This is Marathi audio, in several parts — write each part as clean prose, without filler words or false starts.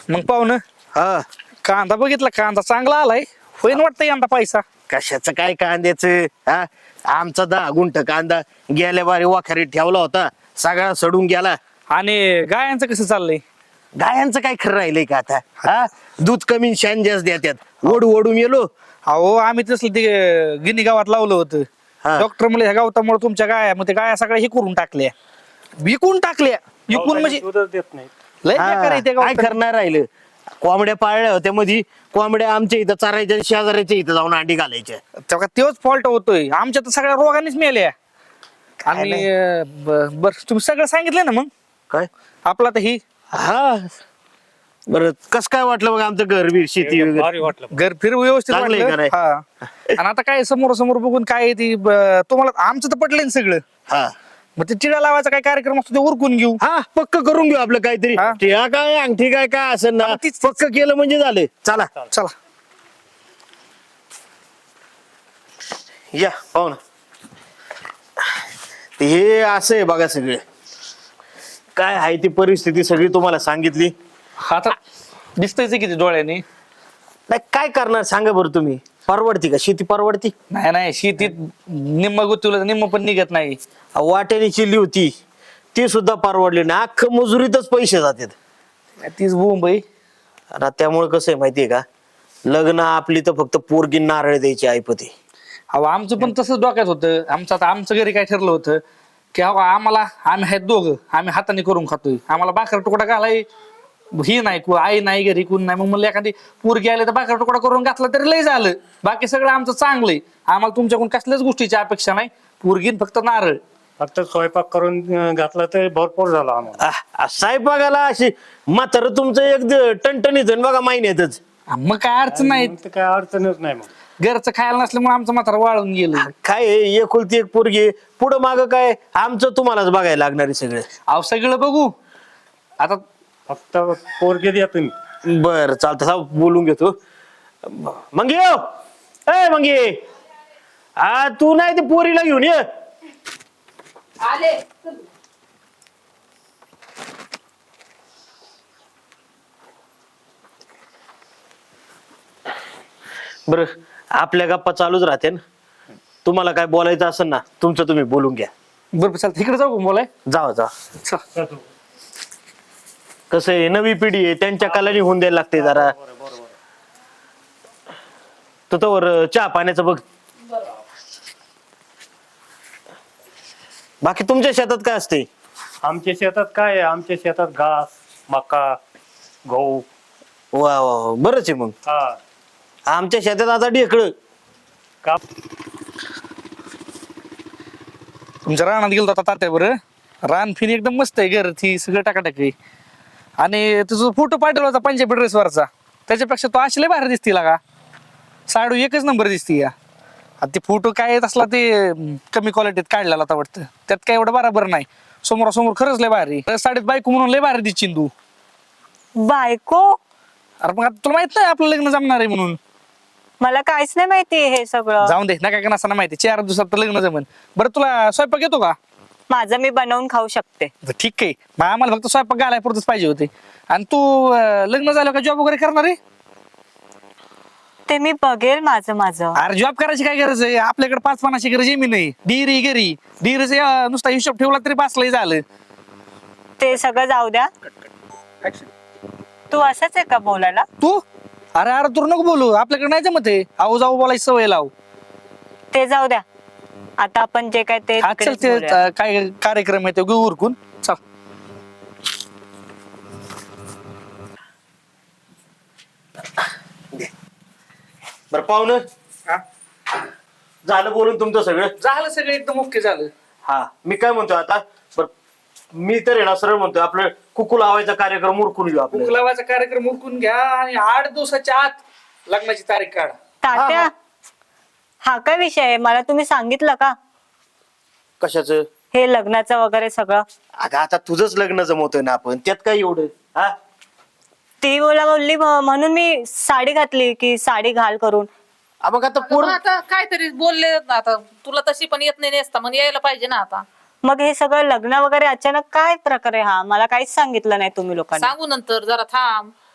मग पाहुणं हा कांदा बघितला, कांदा चांगला आलाय. होईन वाटतं यंदा पैसा. कशाचं काय कांद्याचं हा आमचा 10 गुंठ कांदा गेल्या बारी वाखारीत ठेवला होता, सगळा सडून गेला. आणि गायांचं कसं चाललंय? गायांचं काय खरं राहिलंय का आता? हा दूध कमी आणि शान जास्त देतात. ओढू ओढू मेलो. अहो आम्ही तसलं ते गिनी गावात लावलं होतं. हा. डॉक्टर म्हणले ह्या गावतामुळे तुमच्या गाया, मग ते गाया सगळ्या हे करून टाकल्या, विकून टाकल्या. विकून म्हणजे दूधच देत नाही. लय हा, बेकार आहे ते काय गावात. करणार राहिलं? कोंबड्या पाळल्या होत्या मध्ये, कोंबड्या आमच्या इथं चरायच्या, शेजाऱ्याच्या इथं जाऊन अंडी घालायच्या. तेव्हा तोच फॉल्ट होतोय. आमच्या तर सगळ्या रोगानेच मेल्या. आणि बर तुम्ही सगळं सांगितलं ना मग काय आपला तर ही हा बरं, कस काय वाटलं मग आमचं घर बीर शेती एकदम वगैरे? भारी वाटलं. घर फिर व्यवस्थित चांगलं आहे वाटलं. का नाही? हा. आणि आता काय समोर समोर बघून काय ती तुम्हाला आमचं तर पटलं ना सगळं. हा मग ते चिडा लावायचा काय कार्यक्रम असतो ते उरकून घेऊ. हा पक्क करून घेऊ आपलं काहीतरी. हा. ठिका काय अंगठी काय काय असं ना, पक्क केलं म्हणजे झालं. चला चला या पाहू ना. हे असं आहे बघा, सगळे काय आहे ती परिस्थिती सगळी तुम्हाला सांगितली. आता दिसतंयच किती डोळ्याने. नाही काय करणार सांगा बरं तुम्ही? परवडती का शेती? परवडती? नाही नाही, शेतीत निम्म गुतवलं निम्म पण निघत नाही. वाट्याने चिल्ली होती ती सुद्धा परवडली नाही. अख्खं मजुरीतच पैसे जातात. तीच बोंब आहे. आता त्यामुळे कसं आहे माहितीये का, लग्न आपली तर फक्त पोरगी नारळ द्यायची ऐपती. अहो आमचं पण तसंच डोक्यात होतं. आता आमचं घरी काय ठरलं होतं की अहो आम्ही आहेत दोघं, आम्ही हाताने करून खातोय. आम्हाला भाकर तुकडा घालाय ही नाही, आई नाही घरी, कोण नाही. मग म्हणलं एखादी पोरगी आली तर भाकर तुकडा करून घातला तरी लय झालं. बाकी सगळं आमचं चांगलंय. आम्हाला तुमच्याकडून कसल्याच गोष्टीची अपेक्षा नाही. पोरगीन फक्त नारळ. फक्त स्वयंपाक करून घातला तर भरपूर झाला आम्हाला. साहेबागाला अशी म्हातार तुमचं एक टणटणीत आहे बघा महिन्यातच. मग काय अडचण नाही. मग तर काय अडचणच नाही मग. घरचं खायला नसल्यामुळे आमचं म्हातारा वाळून गेलं. काय आहे, एकुलती एक पोरगी पुढं माग काय आमचं तुम्हालाच बघायला लागणार आहे सगळं. अहो सगळं बघू आता. फक्त पोरगे द्या तुम्ही. बर चालतं, बोलून घेतो. मंगी हो, ए मंगी, हा तू नाही ते पोरीला घेऊन ये. आले. बर आपल्या गप्पा चालूच राहते ना. तुम्हाला काय बोलायचं असेल ना तुमचं तुम्ही बोलून घ्या. बरोबर चालतं, इकडे जाऊ का बोलाय? जावा जा. कसं आहे, नवी पिढी आहे, त्यांच्या कलानी होऊन द्यायला लागते जरा. तर तोवर चहा पाण्याचं बघ. बाकी तुमच्या शेतात काय असते? आमच्या शेतात काय आहे? आमच्या शेतात घास, मका, गहू. वा वा वा, बरंच आहे मग. हा आमच्या शेतात आता ढेकळं. का तुमच्या रानात गेलो आता तात्यावर. रान फिन एकदम मस्त आहे, घर ती सगळं टाकाटाक आहे. आणि तुझा फोटो पाठवला होता पंजाबी ड्रेसवरचा, त्याच्यापेक्षा तो अशी लय भारी दिसती का. साडू एकच नंबर दिसती या. आता ते फोटो काय असला ते कमी क्वालिटीत काढलेला आता वाटतं. त्यात काय एवढं बरोबर नाही. समोरासमोर खरंच लय भारी. साडीत बायको म्हणून लय भारी दिसशील तू. बायको? अरे मग आता तुला माहित नाही आपलं लग्न जमणार आहे म्हणून. मला काहीच नाही माहिती हे सगळं. जाऊन दे, नका का नसताना माहिती. 4 दिवसात तर लग्न जमन. बरं तुला स्वयंपाक येतो का? माझं मी बनवून खाऊ शकते. ठीक आहे, मग आम्हाला फक्त स्वयंपाक घालाय पुरतच पाहिजे होते. आणि तू लग्न झालं का जॉब वगैरे करणार आहे? ते मी बघेल माझं माझं. अरे जॉब करायची काय गरज आहे? आपल्याकडे 5-5 एकर जमीन नाही. डिरी घरी डिरीचा नुसता हिशोब ठेवला तरी बसलंय झालं. ते सगळं जाऊ द्या. तू असंच आहे का बोलायला? तू अरे अरे तू नको बोलू, आपल्याकडे नाही जमत आहे. आऊ जाऊ बोलायची सवय लाव. ते जाऊ द्या. आता आपण जे काय ते चल तिकडेच ते बोलूया. काय कार्यक्रम आहे ते घेऊ उरकून. चल बरं पाहुणं, झालं बोलून तुमचं सगळं? झालं सगळं एकदम ओके झालं. हा मी काय म्हणतोय आता, बरं मी तर आहे ना सरळ म्हणतोय आपलं कुकू लावायचा कार्यक्रम उरकून घेऊ आपलं. लावायचा कार्यक्रम उरकून घ्या आणि 8 दिवसाच्या आत लग्नाची तारीख काढ. तात्या, हा काय विषय आहे? मला तुम्ही सांगितलं का कशाचं? हे लग्नाचं वगैरे सगळं? अगं आता तुझंच लग्न जमवतोय ना आपण, त्यात काय एवढं? हा ती मला बोलली म्हणून मी साडी घातली की साडी घाल करून. मग आता मग आता काहीतरी बोलले ना, आता तुला तशी पण येत नाही नेसता, मग यायला पाहिजे ना आता. मग हे सगळं लग्न वगैरे अचानक काय प्रकारे? हा मला काहीच सांगितलं नाही तुम्ही लोकांनी. सांगू नंतर, जरा थांब.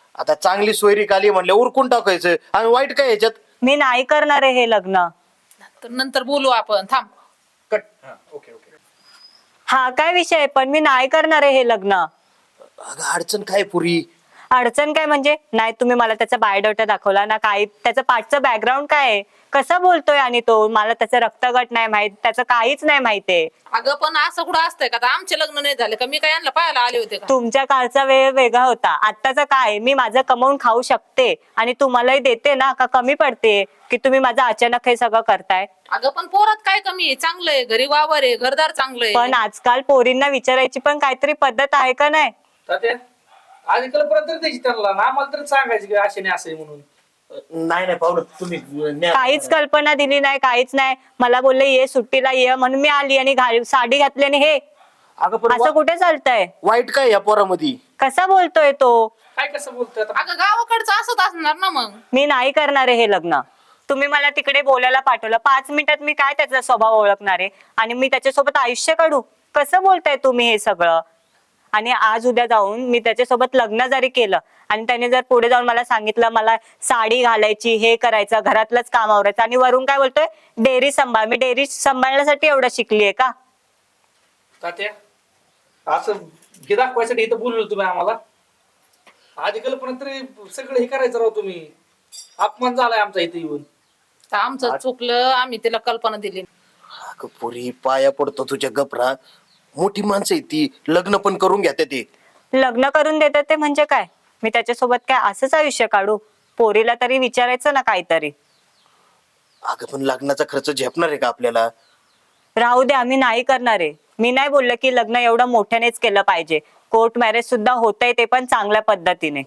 आता चांगली सोयरीक आली म्हणलं उरकून टाकायचं आणि वाईट काय याच्यात. मी नाही करणार आहे हे लग्न. तर नंतर बोलू आपण, थांब. कट. हा, ओके ओके. हा काय विषय, पण मी नाही करणार आहे हे लग्न. अगं अडचण काय पुरी. अडचण काय म्हणजे? नाही तुम्ही मला त्याचा बायोडाटा दाखवला ना, काय त्याचं पाठचं बॅकग्राऊंड काय आहे, कसा बोलतोय, आणि तो मला त्याचं रक्तगट नाही माहित, त्याचं काहीच नाही माहितीये. अगं पण असं कुठं असतंय का? आता आमचे लग्न नाही झाले का? मी काय यांना पाहायला आले होते का? तुमच्या काळचा वेळ वेगळा होता, आत्ताचा काय, मी माझं कमवून खाऊ शकते आणि तुम्हालाही देते ना, का कमी पडते की तुम्ही माझं अचानक हे सगळं करताय? अगं पण पोरात काय कमी आहे? चांगलं आहे, घरी वावर आहे, घरदार चांगलं आहे. पण आजकाल पोरींना विचारायची पण काहीतरी पद्धत आहे का नाही? तात्या आधी कल्पना तरी द्यायची त्यांना ना, आम्हाला तरी सांगायची की असे नाही असं आहे म्हणून. नाही नाही पाहुलं तुम्ही न्या. काहीच कल्पना दिली नाही, काहीच नाही. मला बोलले ये सुट्टीला ये, म्हणून मी आली आणि साडी घातली आणि हे अगं पण असं कुठे चालतंय? वाईट काय या पोरामध्ये. कसा बोलतोय तो? काय कसं बोलतोय आता? अगं गावाकडचं असत असणार ना मग. मी नाही करणार आहे हे लग्न. तुम्ही मला तिकडे बोलायला पाठवलं, 5 मिनिटात मी काय त्याचा स्वभाव ओळखणार आहे आणि मी त्याच्यासोबत आयुष्य काढू? कसं बोलताय तुम्ही हे सगळं? आणि आज उद्या जाऊन मी त्याच्यासोबत लग्न जरी केलं आणि त्याने जर पुढे जाऊन मला सांगितलं मला साडी घालायची, हे करायचं, घरातलंच काम आवरायचं, आणि वरून काय बोलतोय डेअरी सांभाळ. मी डेअरी सांभाळण्यासाठी एवढं शिकलीये का? तात्या असं हे दाखवायसाठी इथं बोललो तुम्ही आम्हाला. आधी कल्पना तरी सगळं हे करायचं राव तुम्ही. अपमान झालाय आमचा इथे येऊन. तर आमचं चुकलं, आम्ही तिला कल्पना दिली. अगं पुरी पाया पडतो तुझ्या गपरा. मोठी माणसं आहे ती, लग्न पण करून घ्या ते. लग्न करून देतात ते म्हणजे काय? मी त्याच्यासोबत काय असंच आयुष्य काढू? पोरीला तरी विचारायचं ना काहीतरी. अगं पण लग्नाचा खर्च झेपणार आहे का आपल्याला? राहू दे, आम्ही नाही करणार आहे. मी नाही बोललं की लग्न एवढं मोठ्यानेच केलं पाहिजे. कोर्ट मॅरेज सुद्धा होतंय, ते पण चांगल्या पद्धतीने.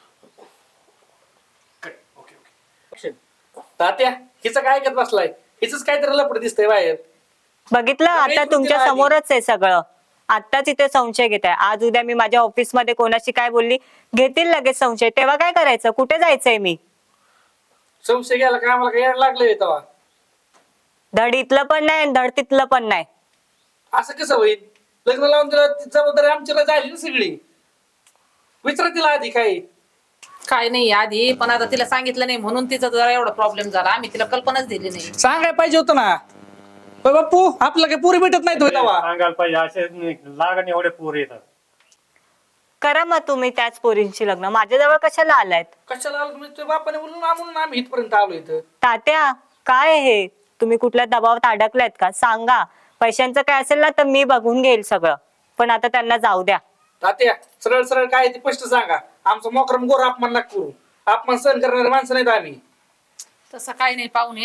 तात्या हिचं काय ऐकत बसलाय? हिच काहीतरी लपड दिसतंय बाहेर. बघितलं, आता तुमच्या समोरच आहे सगळं. आत्ताच इथे संशय घेत आहे. आज उद्या मी माझ्या ऑफिस मध्ये कोणाशी काय बोलली, घेतील लगेच संशय. तेव्हा काय करायचं? कुठे जायचंय मी? संशय घ्यायला काय आम्हाला काय लागलंय तेव्हा? धड इथलं पण नाही, धड तिथलं पण नाही. असं कसं होईल? लग्न लावून दिलं ती जबाबदारी आमच्याला झाली ना सगळी. विचारा तिला आधी काय. काय नाही आधी, पण आता तिला सांगितलं नाही म्हणून तिचा जरा एवढा प्रॉब्लेम झाला. आम्ही तिला कल्पनाच दिली नाही. सांगाय पाहिजे होतं ना. होय बाप्पू, आपलं काही पुरी भेटत नाही तेव्हा. सांगायला पाहिजे, असे लागण एवढे पोर येतात. करा मग तुम्ही त्याच पोरींशी लग्न. माझ्याजवळ कशाला आलायत? कशाला आलो तुम्ही? तुझ्या बापाने म्हणून आम्ही इथपर्यंत आलो इथं. तात्या काय हे? तुम्ही कुठल्या दबावात अडकलायत का? सांगा. पैशांचं काय असेल ना तर मी बघून घेईल सगळं, पण आता त्यांना जाऊ द्या. तात्या सरळ सरळ काय ते स्पष्ट सांगा. आमचं मोकरम गोर अपमान नका करू. अपमान सहन करणारे माणसं नाहीत आम्ही. तसं काही नाही पाहुणे.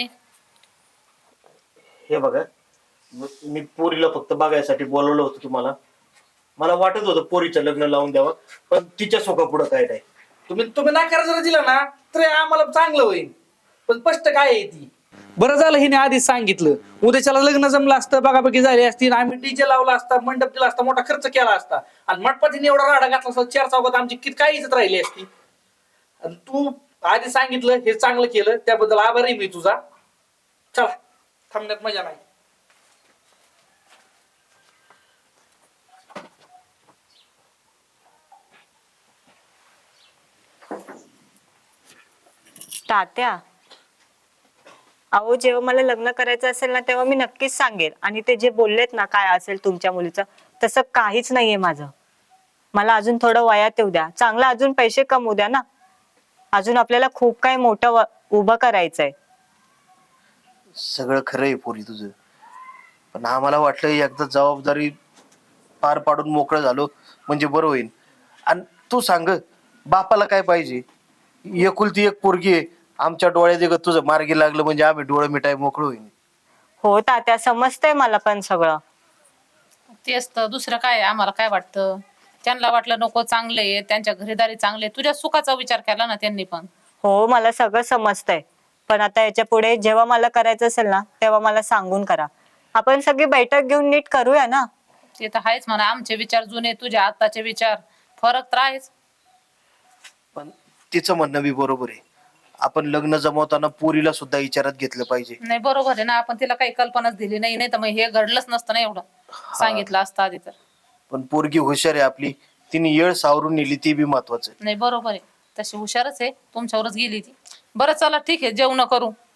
हे बघा, मी पोरीला फक्त बघायसाठी बोलवलं होतं तुम्हाला. मला वाटत होतं पोरीचं लग्न लावून द्यावं, पण तिच्या सोका पुढं काय नाही. तुम्ही नाकार जर दिला ना तर आम्हाला चांगलं होईल. पण स्पष्ट काय आहे ती. बरं झालं हिने आधीच सांगितलं. उद्याच्याला लग्न जमलं असतं, बघाबघी झाली असती, आम्ही डीजे लावला असता, मंडप दिला असता, मोठा खर्च केला असता, आणि मंडपात हिने एवढा राडा घातला असता, 4 चौकात आमची किती काय इज्जत राहिली असती. आणि तू आधी सांगितलं, हे चांगलं केलं, त्याबद्दल आभारी मी तुझा. चला, थांबण्यात मजा नाही. तात्या अहो, जेव्हा मला लग्न करायचं असेल ना तेव्हा मी नक्कीच सांगेल. आणि ते जे बोललेत ना काय असेल तुमच्या मुलीचं, तसं काहीच नाहीये माझं. मला अजून थोडं वयात येऊ द्या, चांगलं अजून पैसे कमवू द्या ना. अजून आपल्याला खूप काही मोठं उभं करायचंय. सगळं खरं आहे पोरी तुझं, पण आम्हाला वाटलं एकदा जबाबदारी पार पाडून मोकळं झालो म्हणजे बरं होईल. आणि तू सांग, बापाला काय पाहिजे? एकुलती एक पोरगी आहे. आमच्या डोळ्यात एक तुझं मार्गी लागलं म्हणजे आम्ही डोळे मिटाय मोकळं होईल. हो तात्या, समजतंय मला पण सगळं. तेच तर, दुसरं काय आम्हाला काय वाटतं? त्यांना वाटलं नको चांगले आहे, त्यांच्या घरीदारी चांगले, तुझ्या सुखाचा विचार केला ना त्यांनी पण. हो, मला सगळं समजतंय. पण आता याच्या पुढे जेव्हा मला करायचं असेल ना तेव्हा मला सांगून करा. आपण सगळी बैठक घेऊन नीट करूया ना. ते तर आहेच म्हणा. आमचे विचार जुने, तुझ्या आत्ताचे विचार फरक तर आहेच. पण तिचं म्हणणं बी बरोबर आहे. आपण लग्न जमवताना पोरीला सुद्धा विचारात घेतलं पाहिजे. नाही बरोबर आहे ना, आपण तिला काही कल्पनाच दिली नाही, नाही तर मग हे घडलंच नसतं ना एवढं. सांगितलं असतं आधी तर. पण पोरगी हुशार आहे आपली, तिने येळ सावरून नेली, ती बी महत्वाचं. नाही बरोबर आहे. तशी हुशारच आहे, तुमच्यावरच गेली ती. बरं चला ठीक आहे, जेवण करू.